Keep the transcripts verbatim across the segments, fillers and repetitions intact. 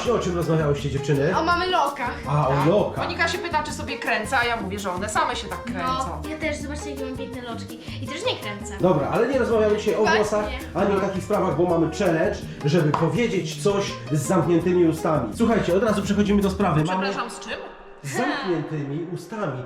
właśnie, o czym rozmawiałyście, dziewczyny? O mamy lokach. A, o lokach. Monika się pyta, czy sobie kręcę, a ja mówię, że one same się tak kręcą. No, ja też, zobaczcie jakie mam piękne loczki. I też nie kręcę. Dobra, ale nie rozmawiamy dzisiaj o Właśnie. włosach, ani o takich sprawach, bo mamy challenge, żeby powiedzieć coś z zamkniętymi ustami. Słuchajcie, od razu przechodzimy do sprawy. Mamy Przepraszam, z czym? z zamkniętymi ustami.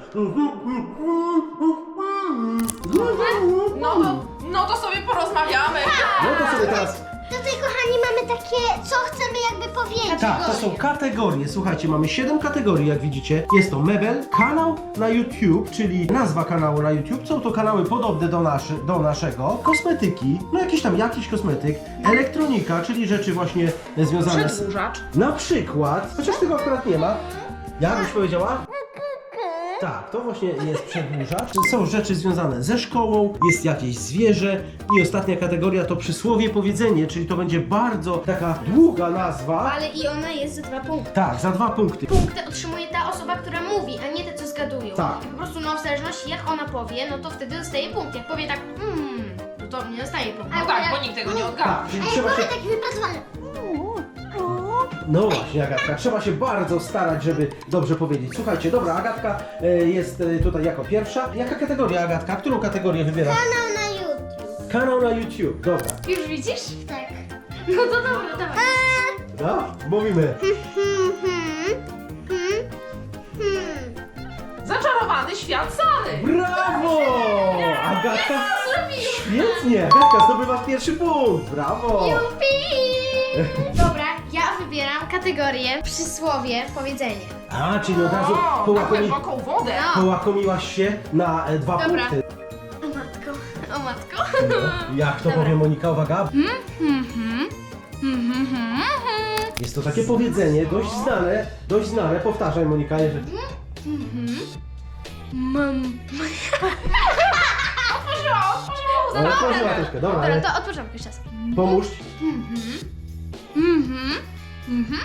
No to, no to sobie porozmawiamy. No to sobie teraz... Tutaj, kochani, mamy takie, co chcemy jakby powiedzieć. Tak, to są kategorie. Słuchajcie, mamy siedem kategorii, jak widzicie. Jest to mebel, kanał na YouTube, czyli nazwa kanału na YouTube. Są to kanały podobne do, naszy, do naszego. Kosmetyki, no jakiś tam jakiś kosmetyk. Elektronika, czyli rzeczy właśnie związane z... Przedłużacz. Na przykład, chociaż tego akurat nie ma. Jak byś powiedziała? Tak, to właśnie jest przedłużacz. Są rzeczy związane ze szkołą, jest jakieś zwierzę i ostatnia kategoria to przysłowie powiedzenie, czyli to będzie bardzo taka długa nazwa. Ale i ona jest za dwa punkty. Tak, za dwa punkty. Punkty otrzymuje ta osoba, która mówi, a nie te, co zgadują. Tak. I po prostu, no w zależności jak ona powie, no to wtedy dostaje punkt. Jak powie tak, hmm, no to nie dostaje punkt. No tak, bo nikt tego nie odgadł. Tak, czyli Ej, trzeba się... mamy taki wypracowany. No właśnie, Agatka, trzeba się bardzo starać, żeby dobrze powiedzieć. Słuchajcie, dobra, Agatka e, jest e, tutaj jako pierwsza. Jaka kategoria, Agatka? Którą kategorię wybierasz? Kanał na YouTube. Kanał na YouTube, dobra. Już widzisz? Tak. No to dobra, dawaj. No, mówimy. Hmm, hmm, hmm, hmm. Zaczarowany świat Sary. Brawo! Agatka, świetnie! Agatka, zdobywasz pierwszy punkt, brawo! Jupi! Dobra, ja wybieram kategorię przysłowie powiedzenie. A, czyli od razu O, na połakomi... głęboką wodę. No. połakomiłaś się na e, dwa Dobra. punkty. O matko, o matko. No, jak to Dobra. powie Monika, uwaga. Mhm, mhm, mhm, mhm. Jest to takie powiedzenie, dość znane, dość znane. Powtarzaj, Monika, jeżeli... Mam. Otworzyła, otworzyła Ale łzę. otworzyła troszkę, dobra, Dobra, ale to od początku jeszcze raz. pomóż. Mhm, mhm.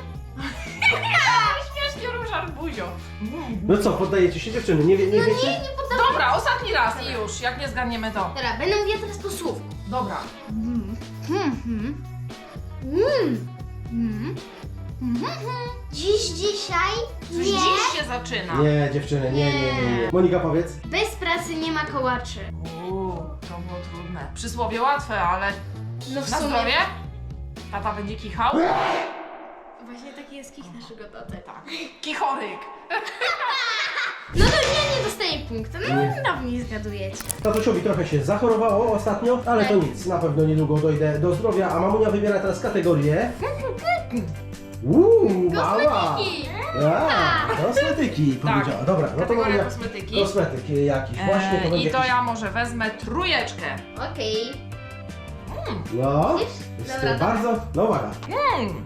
Śmiesznie ruszasz buzią. No co, poddajecie się dziewczyny? Nie, wie, nie wiecie? Nie, nie poddam. Dobra, ostatni raz i już, jak nie zgadniemy to. Dobra, będę mówiła teraz po słówku. Dobra. Mhm, mhm. Mm. Mhm, mhm. Dziś, dzisiaj, Coś nie. dziś się zaczyna. Nie, dziewczyny, nie, nie, nie, nie. Monika, powiedz. Bez pracy nie ma kołaczy. Uuu, to było trudne. Przysłowie łatwe, ale No w na sumie. zdrowie? Tata będzie kichał? Właśnie taki jest kich naszego taty. Tak. Kichoryk. No to ja nie dostaję punktu. No Nie. dawniej zgadujecie. Tatusiowi trochę się zachorowało ostatnio, ale to nic, na pewno niedługo dojdę do zdrowia, a mamunia wybiera teraz kategorię. Uuu, mała! Kosmetyki. A, kosmetyki powiedziała. Dobra, no to Kategoria mamunia... kosmetyki. Kosmetyk jakiś, właśnie to Eee, będzie I to jakiś... ja może wezmę trójeczkę. Okej. No, Widzisz? jest Dobra, to bardzo... No uwaga. Mm.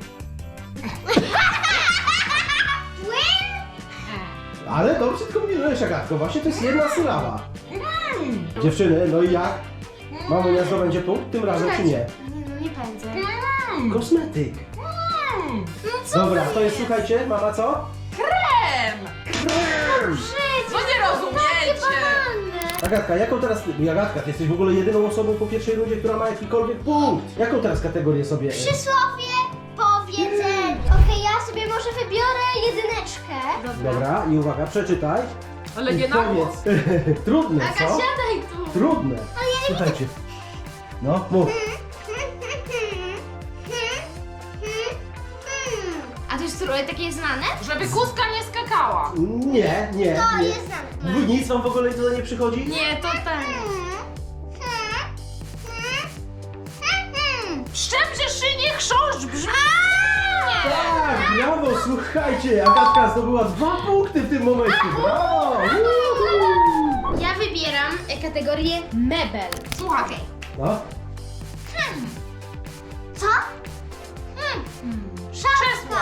Ale dobrze kombinujesz, Agatko, właśnie to jest jedna sylaba. Dziewczyny, no i jak? Mamunia zdobędzie punkt tym razem, czy nie? Nie, no nie pędzę. Mm. Kosmetyk. Mm. No co Dobra, to to jest, słuchajcie, mama co? Krem. Przecież No nie rozumiecie. banalne. Agatka, jaką teraz... Agatka, ty jesteś w ogóle jedyną osobą po pierwszej rundzie, która ma jakikolwiek punkt. Jaką teraz kategorię sobie... Przysłowie, powiedzenie. Okej, ja sobie może wybiorę jedyneczkę. Dobra, i uwaga, przeczytaj. Ale I nie na głos. powiedz. Trudne, Aga, co? siadaj tu. Trudne. Słuchajcie. No, mów. A to jest trochę takie znane? Żeby kuska nie skakała. Nie, nie, To nie. jest znane. Nic wam w ogóle tutaj nie przychodzi? Nie, to tak. Szczęście szynie chrząszcz brzmi. Tak, brawo, słuchajcie, Agatka zdobyła dwa punkty w tym momencie, brawo! Uhu. Ja wybieram e, kategorię mebel. Słuchaj. No, Co? Krzesło.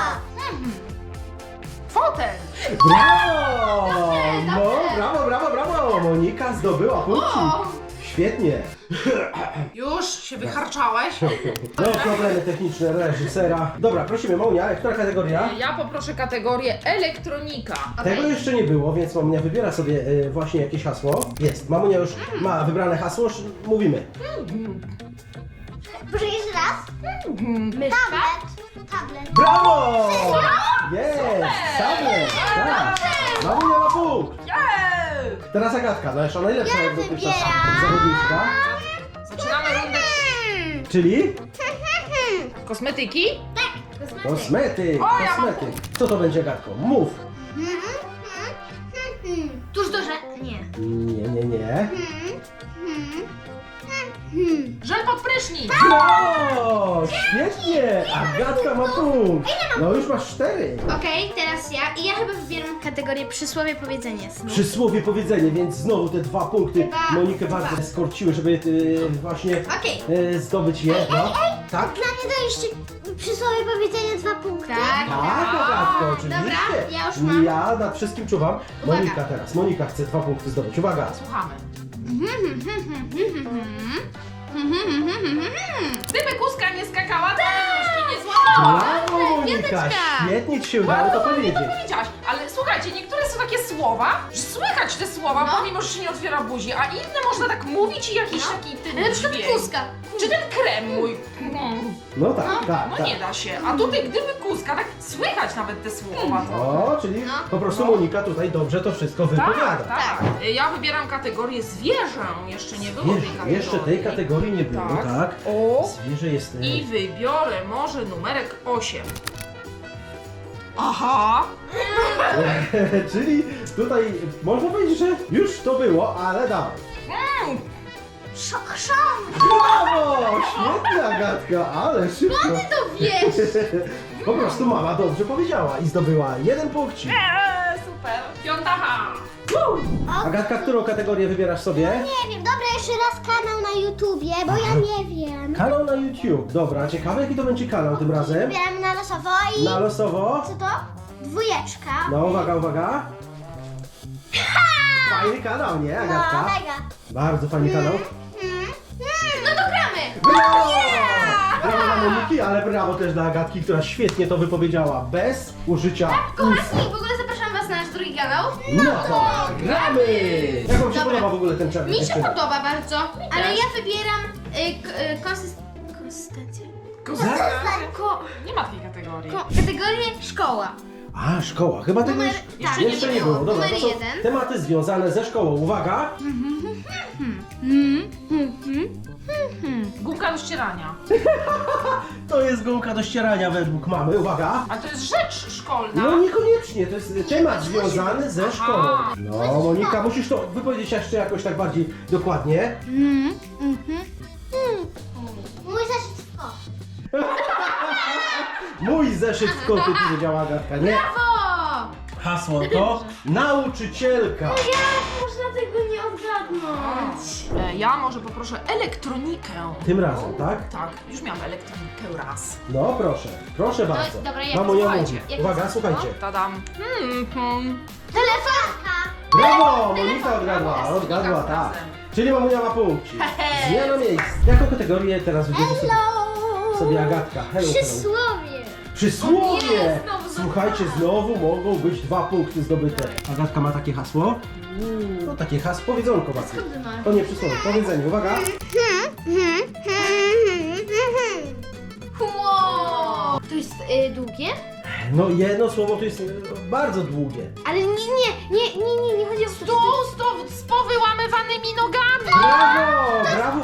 Fotel. brawo! No, dobre. brawo, brawo, brawo! Monika zdobyła punkty. Świetnie. Już się wycharczałeś? No, problemy techniczne reżysera. Dobra, prosimy, Monia, która kategoria? Ja poproszę kategorię elektronika. Tego jeszcze nie było, więc Mamunia wybiera sobie e, właśnie jakieś hasło. Jest, Mamunia już ma wybrane hasło, już mówimy. Proszę jeszcze raz. Myszka. Tablet. tablet. Brawo! Jest! Tablet! Tak! Mamunia ma punkt! Jej! Teraz Agatka, no jeszcze najlepsza Ja jak dotychczas wybieram. zawodniczka. Zaczynamy rundę Czyli kosmetyki. kosmetyk, O, ja mam kosmetyk. Co to będzie, Agatko? Mów! Tuż do że... Nie. Nie, nie, nie. Żel pod prysznic. Brawo! Świetnie! Agatka ma punkt! No już masz cztery. Okej, teraz ja. I ja chyba wybieram kategorię przysłowie powiedzenie snu. Przysłowie powiedzenie, więc znowu te dwa punkty Dwa. Monikę bardzo skorciły, żeby y, właśnie Okej. y, zdobyć je. No. Tak? Dla mnie to jeszcze przysłowie powiedzenie dwa punkty. Tak, Tak, Agatko, oczywiście. Dobra, ja już mam. Ja nad wszystkim czuwam. Uwaga. Monika teraz. Monika chce dwa punkty zdobyć. Uwaga. Słuchamy. Gdyby kuska nie skakała, to by nóżki nie złamała. Brawo, Monika! piąteczka. Świetnie ci się udało to powiedzieć. To powiedziałaś, ale słuchajcie, niektóre są takie słowa, że słychać te słowa, No. pomimo, że się nie otwiera buzi, a inne można tak mówić i jakiś taki ten Na przykład dźwięk. kuska. Czy ten krem mój? Mm, No tak, tak, No tak. nie da się. A tutaj gdyby kuska, tak słychać nawet te słowa trochę. O, czyli No. po prostu Monika tutaj dobrze to wszystko wypowiada. Tak, tak. Ja wybieram kategorię zwierzę. Jeszcze nie było tej Jeszcze, kategorii. jeszcze tej kategorii nie było, Tak. tak? O. Zwierzę jest... y, I wybiorę może numerek osiem. Aha! Czyli tutaj można powiedzieć, że już to było, ale dawaj. Mm. Chrzan. Brawo! Świetnie, Agatka, ale szybko. To wiesz. Po prostu mama dobrze powiedziała i zdobyła jeden punkcik. Eee, super. Piąta H. Agatka, którą kategorię wybierasz sobie? Nie wiem, dobra, jeszcze raz kanał na YouTubie, bo ja nie wiem. Kanał na YouTube. Dobra, ciekawe jaki to będzie kanał tym razem. Wybieram na losowo i... Na losowo. Co to? Dwójeczka. No, uwaga, uwaga. Fajny kanał, nie, No, Agatka? mega. Bardzo fajny kanał. No to gramy. Brawo! Brawo dla Moniki, ale brawo też dla Agatki, która świetnie to wypowiedziała, bez użycia ust. Kochani, w ogóle zapraszam was na nasz drugi kanał. No to gramy! Jak wam się Dobra. podoba w ogóle ten challenge? Mi się dziewczyny? podoba bardzo, ale ja wybieram y, k- y, konsyst... konsystencję. Kuska. Ko... Nie ma takiej kategorii. Ko... Kategorię szkoła. A, szkoła. Chyba tego Numer- już tak, jeszcze nie nie było. było. Dobra, Numer to są jeden. tematy związane ze szkołą. Uwaga! Gumka do ścierania. To jest gumka do ścierania według mamy. Uwaga! Ale to jest rzecz szkolna. No niekoniecznie, to jest temat związany ze Aha. szkołą. No Monika, musisz to wypowiedzieć jeszcze jakoś tak bardziej dokładnie. Mój zeszyt w kosz. Mój zeszyt w koty, powiedziała Agatka, nie? Brawo! Hasło to nauczycielka. Jak można tego nie odgadnąć? E, Ja może poproszę elektronikę. Tym razem, tak? Tak, już miałam elektronikę raz. No proszę, proszę bardzo. dobra, jak Mamo, ja słuchajcie, mówię. jak Uwaga, to- słuchajcie. Tadam. Hmm, hmm. Telefonka. Brawo! Monika odgadła, Brawo, odgadła, Monika tak. razem. Czyli mamunia ma punkcik. Zmiana miejsc. Jaką kategorię teraz wybierze sobie, Hello. sobie Agatka? Hello, hello. Przysłowie. Przysłowie! Nie, znowu Słuchajcie, znowu mogą być dwa punkty zdobyte. Agatka ma takie hasło? No takie hasło, powiedzonko właśnie. Skąd ty masz? To nie przysłowie, powiedzenie. Uwaga. Wow! To jest y, długie? No jedno słowo to jest e, bardzo długie. Ale nie, nie, nie, nie, nie, nie chodzi o Tu z, to, z powyłamywanymi nogami. Brawo! Brawo!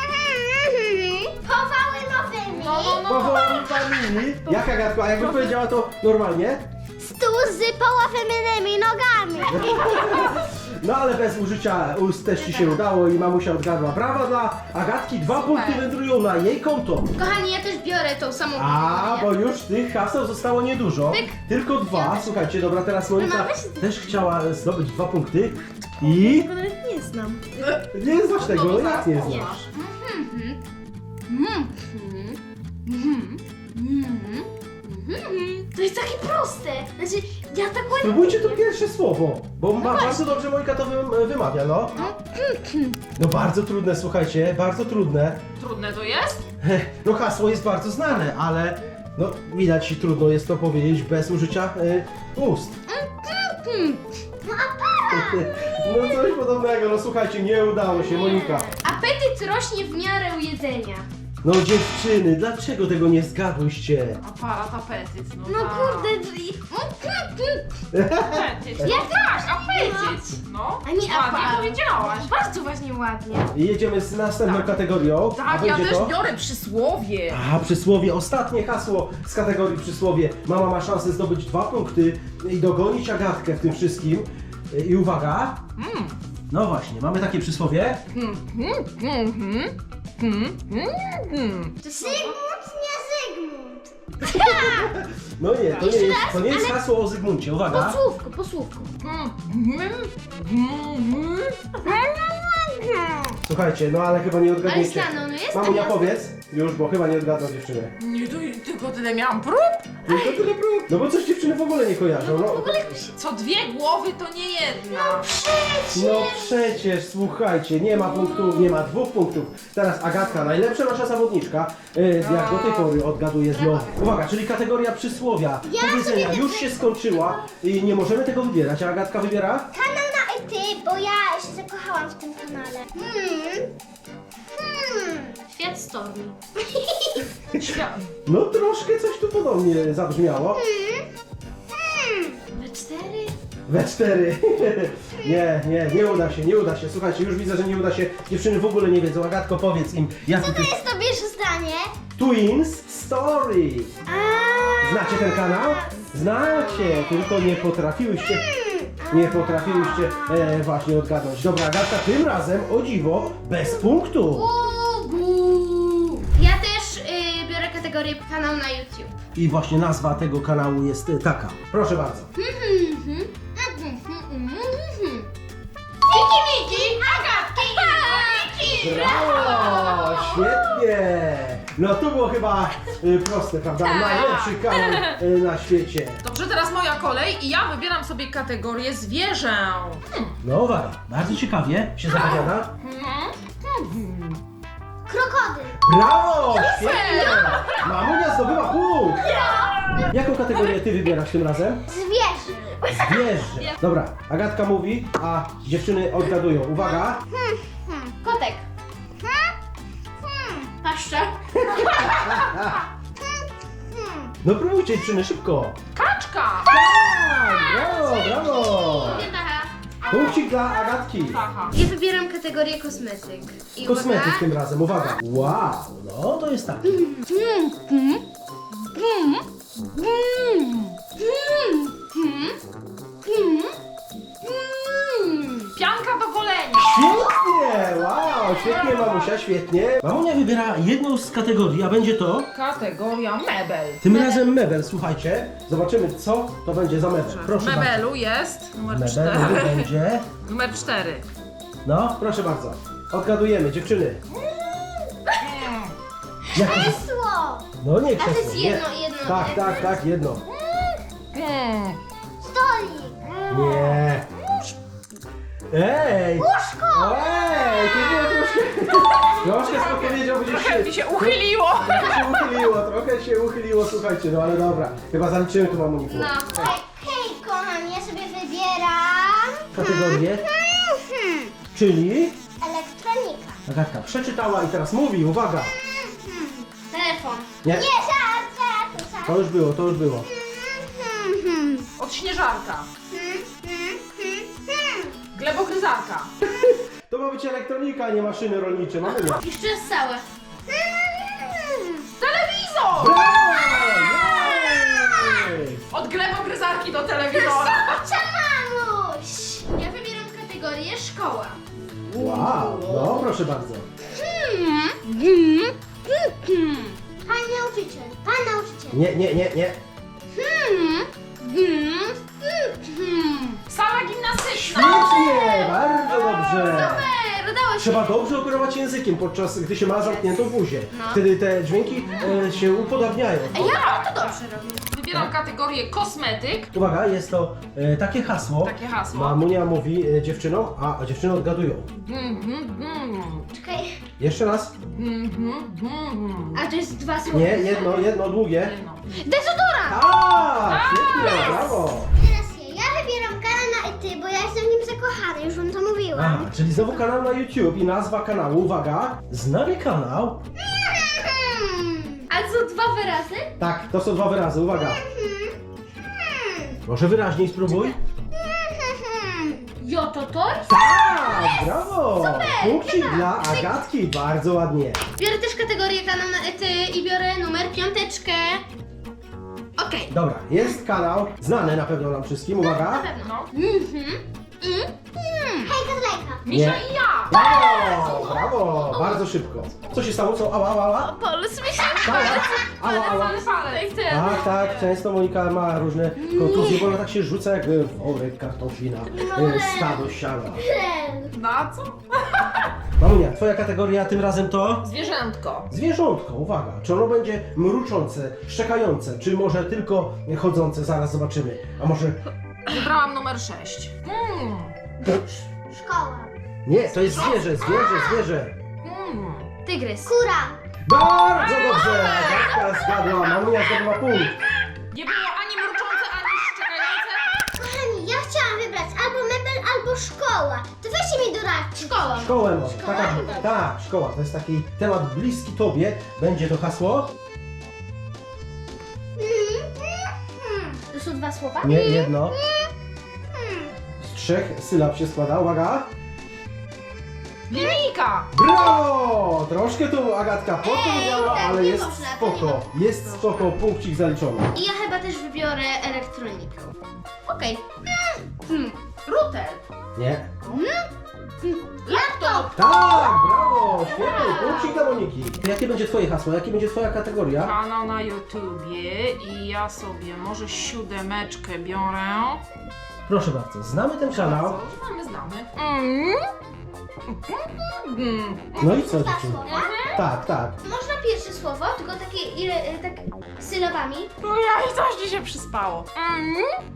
Powały nowymi. No, no, no. Powoli familii. Jak Agatko, a jakby powiedziała to normalnie? Stół z połamanymi nogami. No ale bez użycia ust też ci się udało i mamusia odgadła. Brawa dla Agatki, dwa punkty wędrują na jej konto. Kochani, ja też biorę tą samą A, bo kategorię. już tych haseł zostało niedużo. Pyk. Tylko dwa. Słuchajcie, dobra, teraz Monika Mama, weź- też chciała zdobyć dwa punkty. I Tego nawet nie znam. nie znasz No tego, to jak zaraz nie poznasz. znasz. Mhm. Mhm. Mhm. Mhm. Mhm. To jest takie proste. Znaczy, ja tak ładnie... Spróbujcie to pierwsze słowo, bo ma, bardzo dobrze Monika to wy, wymawia, no. No bardzo trudne, słuchajcie, bardzo trudne. Trudne to jest? No hasło jest bardzo znane, ale no widać trudno jest to powiedzieć bez użycia y, ust. No coś podobnego, no słuchajcie, nie udało się, Monika. Apetyt rośnie w miarę jedzenia. No dziewczyny, dlaczego tego nie zgadłyście? Aparat, apetyt, no, No tak. kurde, drzwi. Apetyt. Jak Tak, apetyt. No, A nie ładnie aparat. powiedziałaś. Bardzo właśnie ładnie. I jedziemy z następną Tak. kategorią. A Tak, ja będzie też to... biorę przysłowie. A, przysłowie, ostatnie hasło z kategorii przysłowie. Mama ma szansę zdobyć dwa punkty i dogonić Agatkę w tym wszystkim. I uwaga, Mm. no właśnie, mamy takie przysłowie. Hmm, hmm, hmm, hmm, hmm, hmm, hmm. To słowo? Zygmunt, nie Zygmunt. No nie, to nie Jeszcze jest, raz, to nie jest ale- hasło o Zygmuncie, uwaga. Po słówku, po słówku. Hmm, hmm, hmm, hmm. Słuchajcie, no ale chyba nie Ale odgadniecie. Stano, no jest Mamunia, tam powiedz, już, bo chyba nie odgadną dziewczyny. Nie, to tylko tyle miałam prób. Tylko tyle prób. No bo coś dziewczyny w ogóle nie kojarzą. No, Co dwie głowy to nie jedna. no przecież, słuchajcie, nie ma punktów, nie ma dwóch punktów. Teraz Agatka, najlepsza nasza zawodniczka, y, jak do tej pory odgaduje znowu. Uwaga, czyli kategoria przysłowia, powiedzenia już się skończyła i nie możemy tego wybierać. A Agatka wybiera? Kanał na E T, bo ja się zakochałam w tym kanale. Hmm. Hmm. Świat stormy. Świat. No troszkę coś tu podobnie zabrzmiało. We cztery? We cztery. Nie, nie, nie uda się, nie uda się. Słuchajcie, już widzę, że nie uda się. Dziewczyny w ogóle nie wiedzą. Agatko, powiedz im, jakie Co to to jest to pierwsze zdanie? Twins Story. A. Znacie ten kanał? Znacie, tylko nie potrafiłyście, nie potrafiłyście e, właśnie odgadnąć. Dobra, Agatka, tym razem, o dziwo, bez punktu. Uuu. Ja też y, biorę kategorię kanał na YouTube. I właśnie nazwa tego kanału jest e, taka. Proszę bardzo. Miki Miki, Agatki i Brawo! Świetnie! No to było chyba e, proste, prawda? Najlepszy kanał e, na świecie. Dobrze, teraz moja kolej i ja wybieram sobie kategorię zwierzę. Hmm. No uwaga, bardzo ciekawie się zapowiada. Hmm. Krokodyl. Brawo! Świetnie! Mamunia zdobyła punkt! Jaką kategorię ty wybierasz tym razem? Zwierzę. Zwierzę. Dobra, Agatka mówi, a dziewczyny odgadują. Uwaga! Kotek. Hmm. Paszcza. No próbujcie dziewczyny, szybko! Kaczka. Tak! Brawo, brawo! Aha. Punkcik dla Agatki. Aha. Ja wybieram kategorię kosmetyk. I Kosmetyk uwaga. tym razem, uwaga! Wow, no to jest tak. Mm, mm, mm, mm, mm, mm, mm, mm. Pianka do golenia. Świetnie! Wow, świetnie mamusia, świetnie. Mamunia wybiera jedną z kategorii, a będzie to Kategoria mebel. tym razem mebel. Słuchajcie, zobaczymy co to będzie za mebel. Proszę bardzo. Mebelu jest numer Mebel cztery. będzie. Numer cztery. No, proszę bardzo. Odgadujemy, dziewczyny. Jak to jest? Krzesło. No nie A to krzesło, jest nie. jedno, jedno. Tak, tak, tak, jedno. Hmm. Stolik. Nie. Ej! Łóżko. Ej, to było troszkę... Troszkę z podpowiedzią gdzieś Trochę mi się uchyliło. Trochę się uchyliło, trochę się uchyliło, słuchajcie, no ale dobra. Chyba zaliczymy tu mamuniku. No. Hej, hej, kochani, ja sobie wybieram. Kategorię, Mhm. czyli... Elektronika. Agatka przeczytała i teraz mówi, uwaga. Telefon. Nie, Nie, żart, żart, żart. to już było, to już było. Mhm. Odśnieżarka. Mhm, mhm, mhm. Glebogryzarka. To ma być elektronika, a nie maszyny rolnicze, mamy nie. Jeszcze raz całe. Telewizor. Brawo! Jej! Od glebogryzarki do telewizora. Mamuś. Ja wybieram kategorię szkoła. Wow, no proszę bardzo. Hmm. Hmm. Hmm. Pan nauczyciel, pan nauczyciel. Nie, nie, nie, nie. Hmm. Hmm. Hmm. Sala gimnastyczna. Świetnie, bardzo dobrze. Super, udało się. Trzeba dobrze operować językiem, podczas gdy się ma zamkniętą buzię. No. Wtedy te dźwięki e, się upodabniają. A ja to dobrze robię. Wybieram kategorię kosmetyk. Uwaga, jest to e, takie hasło. Takie hasło. Mamunia mówi e, dziewczynom, a dziewczyny odgadują. Mm, mm, mm. Czekaj. Jeszcze raz. Mm, mm, mm. A to jest dwa słowa. Nie, jedno, jedno długie. No. Dezodorant. A, świetnie, brawo. Teraz ja. Ja wybieram kanał na E T, bo ja jestem w nim zakochany, już wam to mówiłam. A, czyli znowu kanał na YouTube i nazwa kanału, uwaga, znany kanał. to są dwa wyrazy? Tak, to są dwa wyrazy, uwaga. Może wyraźniej spróbuj? Jototor? Tak, brawo! Punkcik dla Agatki, bardzo ładnie. Biorę też kategorię kanał na ety i biorę numer piąteczkę. Okej. Dobra, jest kanał, znany na pewno nam wszystkim, uwaga. Na pewno. No. Mhm. Mm. Hejka, zlejka. Misia Nie. i ja! Brawo, brawo, bardzo szybko. Co się stało? Co? Ała, ała, ała? Puls mi się Tak, ała, ała. Ale palec. Tak, tak, często Monika ma różne kontuzje, bo ona tak się rzuca jak e, worek kartofli na e, stado siana. Na co? Mamunia, twoja kategoria tym razem to? Zwierzętko. Zwierzątko, uwaga. Czy ono będzie mruczące, szczekające, czy może tylko chodzące? Zaraz zobaczymy. A może... Wybrałam numer sześć. Mm. Szkoła. Nie, to jest zwierzę, zwierzę, zwierzę. Mm. Tygrys. Kura. Bardzo dobrze! Agatka zgadła, mamunia zdobyła punkt. Nie było ani mruczące, ani szczekające. Kochani, ja chciałam wybrać albo mebel, albo szkoła. To weźcie mi doradźcie. Szkoła. Szkołę może. Szkoła? Taka, tak, szkoła. To jest taki temat bliski tobie. Będzie to hasło? To są dwa słowa? Nie, jedno. Z trzech sylab się składa, uwaga. Linijka. Brawo! Troszkę tu Agatka podpowiedziała, tak, ale nie jest można, to nie spoko. można. Jest spoko, punkcik zaliczony. I ja chyba też wybiorę elektronikę. Okej. Hmm. Router. Nie? Laptop. Tak, brawo! Świetnie, punkcik dla Moniki. Jakie będzie twoje hasło? Jakie będzie twoja kategoria? Kanał na YouTubie i ja sobie może siódemeczkę biorę. Proszę bardzo, znamy ten kanał. Co? Znamy, znamy. Mm. Mm. No i co Dwa dziewczyny? słowa. Tak, tak. Można pierwsze słowo, tylko takie ile, e, tak sylabami. No ja i coś ci się przyspało. Mm.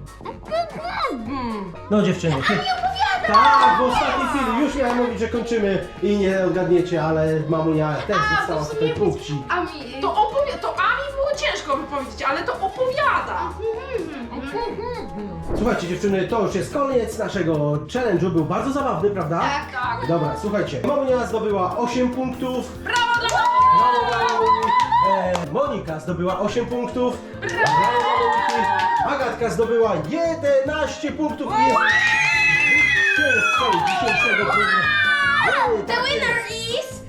Mm. No dziewczyny. Ty... Tak, w ostatniej chwili już miałem mówić, że kończymy i nie odgadniecie, ale mamunia też A, dostała to w tutaj sumie punkcik. A mi, to opowiada, to A mi było ciężko wypowiedzieć, ale to opowiada. Słuchajcie dziewczyny, to już jest koniec naszego challenge'u. Był bardzo zabawny, prawda? Tak. Tak. Dobra, słuchajcie. Mamunia zdobyła osiem punktów. Brawo dla Brawo dla Moniki. E, Monika zdobyła osiem punktów. Brawo dla Moniki. Agatka zdobyła jedenaście punktów. I jest zwycięzcą dzisiejszego programu. The winner is...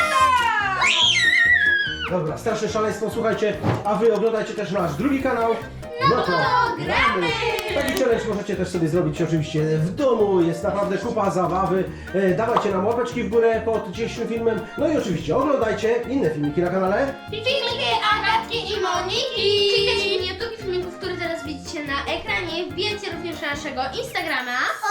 Dobra, straszne szaleństwo, słuchajcie, a wy oglądajcie też nasz drugi kanał. No to gramy! Taki challenge możecie też sobie zrobić oczywiście w domu, jest naprawdę kupa zabawy. E, dawajcie nam łapeczki w górę pod dzisiejszym filmem. No i oczywiście oglądajcie inne filmiki na kanale. Filmiki Agatki i Moniki! Klikajcie w YouTube filmików, które teraz widzicie na ekranie. Wbijajcie również na naszego Instagrama.